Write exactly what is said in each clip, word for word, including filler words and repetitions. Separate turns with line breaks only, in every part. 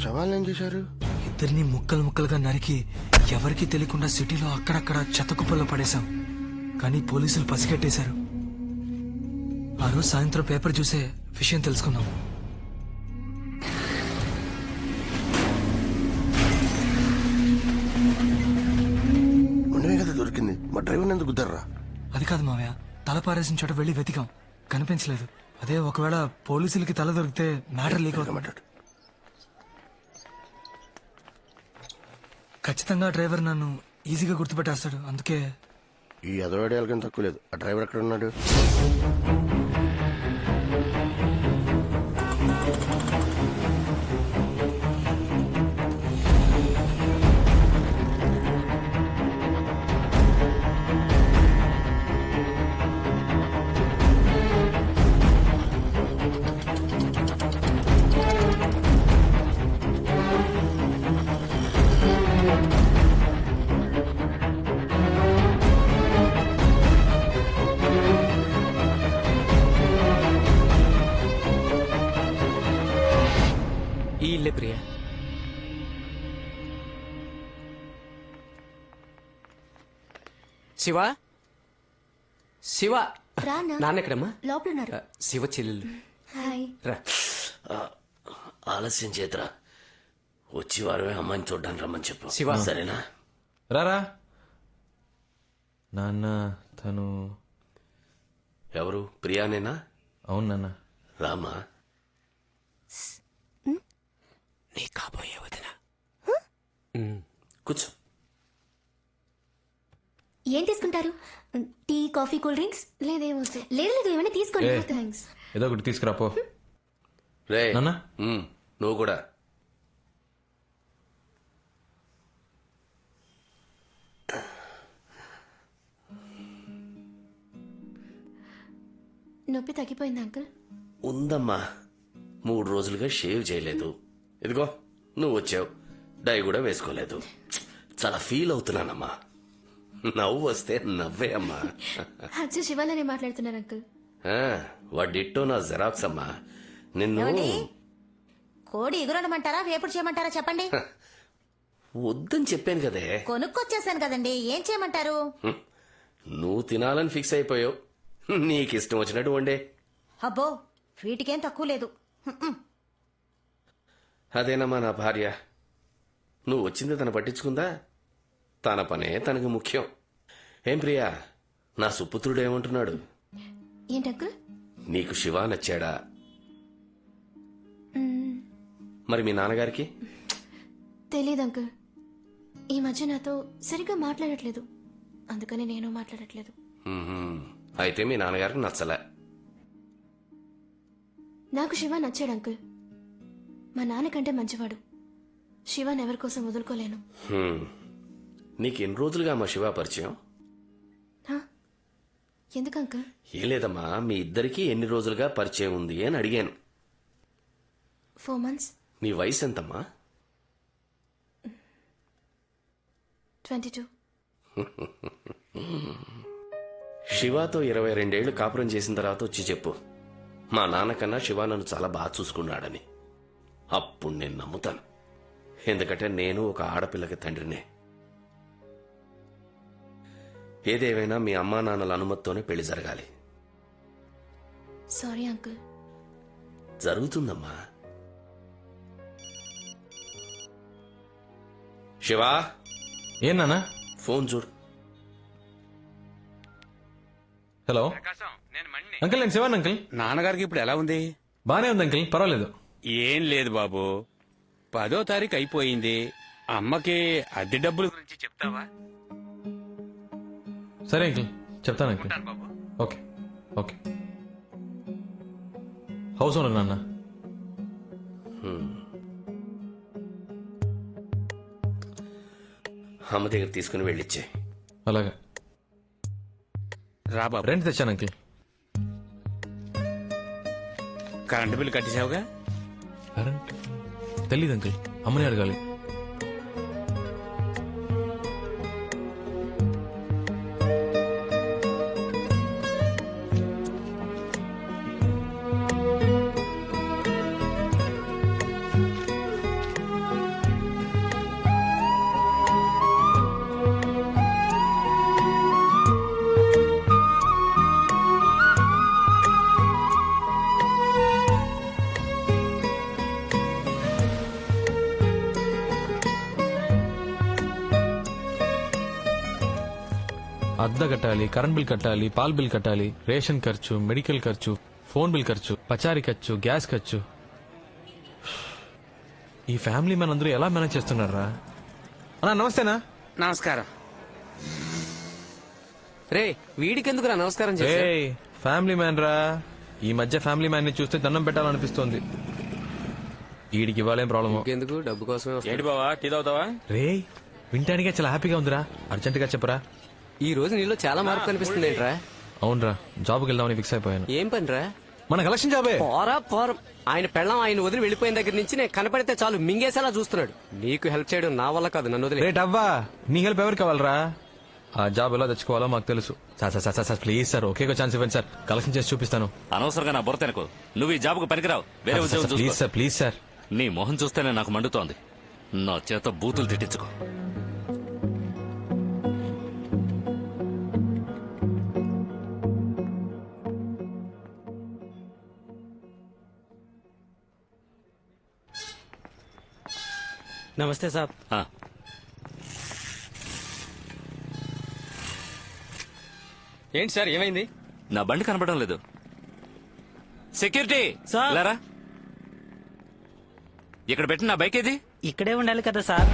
శవాలను ఏం చేశారు?
ఇద్దరిని ముక్కలు ముక్కలుగా నరికి ఎవరికీ తెలియకుండా సిటీలో అక్కడక్కడ చెత్తకుప్పల్లో పడేశాం. కానీ పోలీసులు పసిగట్టేశారు. ఆ రోజు సాయంత్రం పేపర్ చూసే విషయం తెలుసుకున్నాం.
ఉండవే కదా దొరికింది. మా డ్రైవర్ ఎందుకు గుద్దర్రా?
అది కాదు మావయ్య, తల పారేసిన చోట వెళ్లి వెతికాం, కనిపించలేదు. అదే ఒకవేళ పోలీసులకి తల దొరికితే మ్యాటర్ లీక్ అవుతుంది. ఖచ్చితంగా డ్రైవర్ నన్ను ఈజీగా గుర్తుపెట్టేస్తాడు. అందుకే
ఈ అదవాడేళ్ళకని తక్కువ లేదు. ఆ డ్రైవర్ ఎక్కడ ఉన్నాడు?
ఈ ఇల్లే ప్రియా. శివ శివ నాన్న ఎక్కడమ్మా?
లోపల
శివ చెల్లెలు. రా.
ఆలస్యం చేతరా, వచ్చి వారమే అమ్మాయిని చూడ్డానికి రమ్మని చెప్పు.
శివ
సరేనా?
రారా. నాన్న తను
ఎవరు? ప్రియానేనా?
అవును నాన్న.
రామా.
నీ కాబోయే వదిన.
కూర్చో.
ఏం తీసుకుంటారు? Tea, coffee, cool drinks? లేదేమో. లేదు లేదు, ఏమైనా తీసుకోండి. థ్యాంక్స్.
ఏదో ఒకటి తీసుకురాపో.
రే
నాన్న.
ఉమ్, నువ్వు కూడా.
నొప్పి తగ్గిపోయింది అంకుల్?
ఉందమ్మా, మూడు రోజులుగా షేవ్ చేయలేదు. ఇదిగో నువ్వు వచ్చావు, డై కూడా వేసుకోలేదు. చాలా ఫీల్ అవుతున్నానమ్మా. నవ్వు వస్తే నవ్వే అమ్మా.
అచ్చా, శివాలనే మాట్లాడుతున్నారు అంకుల్.
వాడిట్టో నా జెరాక్స్ అమ్మా. నిన్ను
కోడి ఎగురడమంటారా, వేపుడు చేయమంటారా చెప్పండి.
వద్దని చెప్పాను కదే.
కొనుక్కొచ్చేసాను కదండి, ఏం చేయమంటారు?
నువ్వు తినాలని ఫిక్స్ అయిపోయావు. నీకిష్టం వచ్చినట్టు వండే.
అబ్బో, వీటికేం తక్కువ లేదు.
అదేనమ్మా నా భార్య. నువ్వు వచ్చింది తను పట్టించుకుందా? తన పనే తనకు ముఖ్యం. ఏం ప్రియా, నా సుపుత్రుడు ఏమంటున్నాడు?
ఏంటి అంకుల్?
నీకు శివ నచ్చాడా? మరి మీ నాన్నగారికి?
తెలీదు అంకుల్. ఈ మధ్య నాతో సరిగ్గా మాట్లాడట్లేదు, అందుకని నేను మాట్లాడట్లేదు.
అయితే మీ నాన్నగారికి నచ్చలే.
నాకు శివ నచ్చాడు అంకుల్. మా నాన్నకంటే మంచివాడు. శివాన్ ఎవరి కోసం వదులుకోలేను.
నీకు ఎన్ని రోజులుగా మా శివ పరిచయం?
ఎందుకు అంకుల్?
ఏం లేదమ్మా, మీ ఇద్దరికి ఎన్ని రోజులుగా పరిచయం ఉంది అని అడిగాను.
Four months.
నీ వయసు ఎంతమ్మా?
Twenty two.
శివాతో ఇరవై రెండేళ్లు కాపురం చేసిన తర్వాత వచ్చి చెప్పు, మా నాన్నకన్నా శివ నన్ను చాలా బాగా చూసుకున్నాడని. అప్పుడు నేను నమ్ముతాను. ఎందుకంటే నేను ఒక ఆడపిల్లకి తండ్రినే. ఏదేమైనా మీ అమ్మా నాన్నల అనుమతితోనే పెళ్లి జరగాలి.
Sorry uncle.
జరుగుతుందమ్మా. శివా.
ఏం నాన్న?
ఫోన్ చూడు.
హలో అంకుల్, నేను శివాన్ అంకుల్.
నాన్నగారికి ఇప్పుడు ఎలా ఉంది?
బానే ఉంది అంకుల్, పర్వాలేదు.
ఏం లేదు బాబు, పదో తారీఖు అయిపోయింది. అమ్మకి అద్దె డబ్బుల గురించి చెప్తావా?
సరే అంకుల్, చెప్తాను uncle. Okay okay. House owner నాన్న.
అమ్మ దగ్గర తీసుకుని వెళ్ళిచ్చే.
అలాగా.
రా బాబు.
రెంట్ తెచ్చాను అంకుల్.
కరెంటు బిల్లు కట్టేసావుగా?
కరెంట్ తెలీదు అంకుల్, అమ్మని అడగాలి. అద్దె కట్టాలి, కరెంట్ బిల్ కట్టాలి, పాల్ బిల్ కట్టాలి, రేషన్ ఖర్చు, మెడికల్ ఖర్చు, ఫోన్ బిల్ ఖర్చు, పచారీ ఖర్చు, గ్యాస్ ఖర్చు. ఈ ఫ్యామిలీ మ్యాన్ అందరూ ఎలా మేనేజ్ చేస్తున్నారా? అన్నా నమస్తేనా.
నమస్కారం.
రే వీడికెందుకురా నమస్కారం చేసా?
ఏయ్ ఫ్యామిలీ మ్యాన్ రా. ఈ మధ్య ఫ్యామిలీ మ్యాన్ ని చూస్తే దండం పెట్టాలనిపిస్తోంది. వీడికి ఇవ్వాలేం ప్రాబ్లమ్.
ఎందుకు డబ్బు కోసమే వస్తా.
ఏంటి బావా టీ తాగుతావా?
రే వింటానికే చాలా హ్యాపీగా ఉందిరా. అర్జెంట్ గా చెప్పరా.
ఈ రోజు నీలో చాలా మార్పు కనిపిస్తుంది ఏంట్రా?
అవునరా, జాబ్కి వెళ్దామని ఫిక్స్ అయిపోయాను.
ఏం పనిరా?
మన కలెక్షన్ జాబే.
పోరా పోరం. ఆయన పెళ్ళం ఆయన వదిలి వెళ్ళిపోయిన దగ్గర నుంచి నేను కనపడితే చాలు మింగేసేలా చూస్తున్నాడు. నీకు హెల్ప్ చేయడం నా వల్ల కాదు, నన్ను వదిలే.
రేట్ అవ్వా, నీ హెల్ప్ ఎవరికి కావాలరా? ఆ జాబ్ ఎలా తెచ్చుకోవాలో మాకు తెలుసు. Sir sir sir sir please sir ఒకే ఛాన్స్ ఇవ్వండి సార్. కలెక్షన్ చేసి చూపిస్తాను.
అనవసరంగా నా బుర్ర తినకు. నువ్వు ఈ జాబ్కు పనికిరావు. వేరే ఉద్యోగం
ప్లీజ్
చూసుకో.
Sir please sir.
నీ మొహం చూస్తేనే నాకు మండుతోంది. నా చేత బూతులు తిట్టించుకో.
నమస్తే సార్.
ఆ,
ఏంటి సార్ ఏమైంది?
నా బండి కనపడడం లేదు. Security
sir.
లేరా? ఇక్కడ పెట్టి నా బైక్ ఏది?
ఇక్కడే ఉండాలి కదా సార్.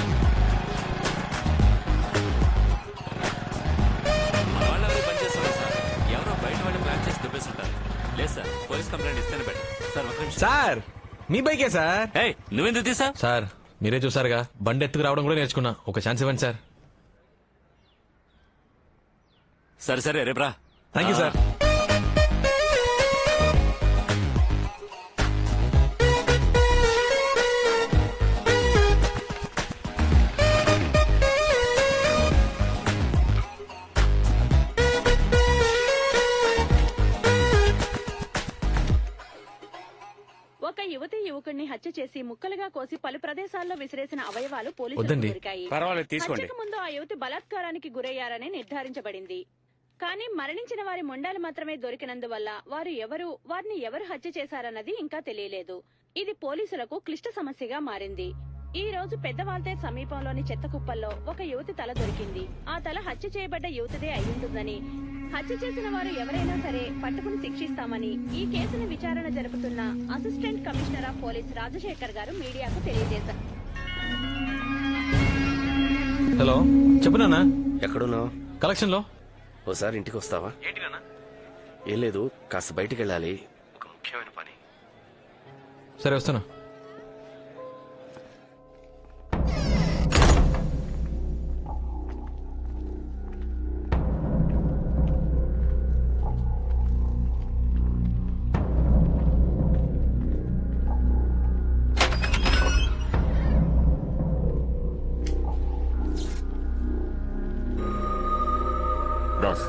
మన వాళ్ళెవరూ పని చేస్తున్నారు సార్. ఎవరో బయట వాళ్ళు ప్లాన్ చేసి దుబ్బేస్తుంటారు. లేదు సార్, పోలీస్ కంప్లైంట్ ఇస్తేనే బెటర్. సార్ ఒక నిమిషం.
సార్ మీ బైకే సార్.
ఏయ్, నువ్వెందుకు తీసా?
సార్ మీరే చూసారుగా, బండి ఎత్తుకు రావడం కూడా నేర్చుకున్నా. ఒక ఛాన్స్ ఇవ్వండి సార్.
సరే సరే రేపురా.
Thank you sir.
ఒక యువతి యువకుడిని హత్య చేసి ముక్కలుగా కోసి పలు ప్రదేశాల్లో విసిరేసిన అవయవాలు పోలీసులకు
వద్దండి.
దొరికాయి.
పర్వాలేదు తీసుకోండి.
హత్యకు ముందు ఆ యువతి బలాత్కారానికి గురయ్యారని నిర్ధారించబడింది. కానీ మరణించిన వారి మొండాలు మాత్రమే దొరికినందువల్ల వారు ఎవరు, వారిని ఎవరు హత్య చేశారన్నది ఇంకా తెలియలేదు. ఇది పోలీసులకు క్లిష్ట సమస్యగా మారింది. ఈ రోజు పెద్దవాల్తే సమీపంలోని చెత్త కుప్పల్లో ఒక యువతి తల దొరికింది. ఆ తల హత్య చేయబడ్డ యువతిదే అయ్యుంటుందని, హత్య చేసిన వారు ఎవరైనా సరే పట్టుకుని శిక్షిస్తామని ఈ కేసును విచారణ జరుపుతున్న assistant commissioner of police Rajasekhar garu మీడియాకు తెలియజేశారు.
హలో చెప్పు నాన్న.
ఎక్కడున్నావు?
కలెక్షన్ లో.
ఓసారి ఇంటికి వస్తావా? ఏం లేదు, కాస్త బయటికి వెళ్ళాలి. ఒక ముఖ్యమైన పని.
సరే వస్తాను.
బాస్,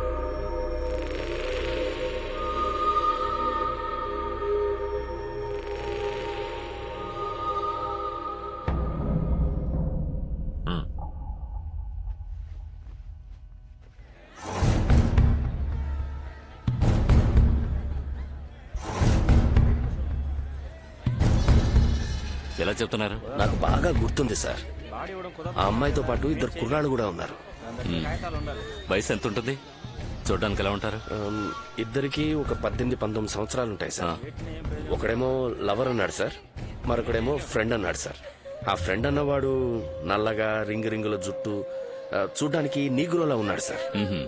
ఎలా చెప్తున్నారు?
నాకు బాగా గుర్తుంది సార్. ఆ అమ్మాయితో పాటు ఇద్దరు కుర్రాళ్ళు కూడా ఉన్నారు.
మ్, వయసు ఎంత ఉంటుంది? చూడడానికి ఎలా ఉంటారు?
ఆమ్, ఇద్దరికి ఒక పద్దెనిమిది పంతొమ్మిది సంవత్సరాలు ఉంటాయి సార్. ఒకడేమో లవర్ అన్నాడు సార్, మరొకడేమో ఫ్రెండ్ అన్నాడు సార్. ఆ ఫ్రెండ్ అన్నవాడు నల్లగా రింగు రింగుల జుట్టు, ఆ, చూడ్డానికి నీగ్రోలా ఉన్నాడు సార్.
మ్హూ.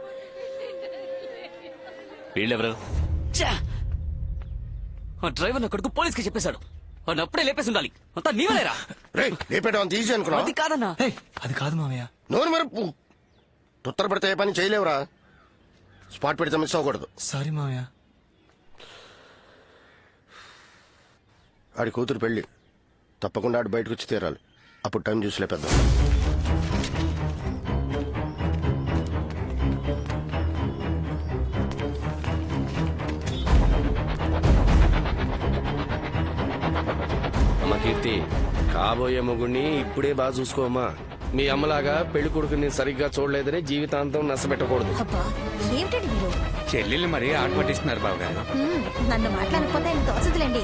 వీళ్ళెవరు?
డ్రైవర్ నా కొడుకు పోలీస్ కి చెప్పేశాడు. వాడిని అప్పుడే లేపేసి ఉండాలి. అంతా నీవలేరా?
లేపేటం తీసి అనుకున్నా.
అది కాదన్నా.
ఏయ్, అది కాదు మావయ్య.
నోరు మరపు తుత్తర పెడితే ఏ పని చేయలేవురా. స్పాట్ పెడితే మిస్ అవ్వకూడదు.
సారీ మావయ్య.
ఆడి కూతురు పెళ్లి తప్పకుండా ఆడు బయటకు వచ్చి తీరాలి. అప్పుడు టైం చూసి లేపేద్దాం.
అమ్మ కీర్తి, కాబోయే మొగుడిని ఇప్పుడే బాగా చూసుకోమ్మా. మీ అమ్మలాగా పెళ్లి కొడుకుని సరిగ్గా చూడలేదని జీవితాంతం నష్టపెట్టకూడదు.
అబ్బా ఏమిటండి మీరు?
చెల్లెళ్ళు మరి ఆట పట్టిస్తున్నారు బాబు గారు.
హ్మ్, నన్ను మాట్లాడకపోతే ఆయన తోసదులేండి.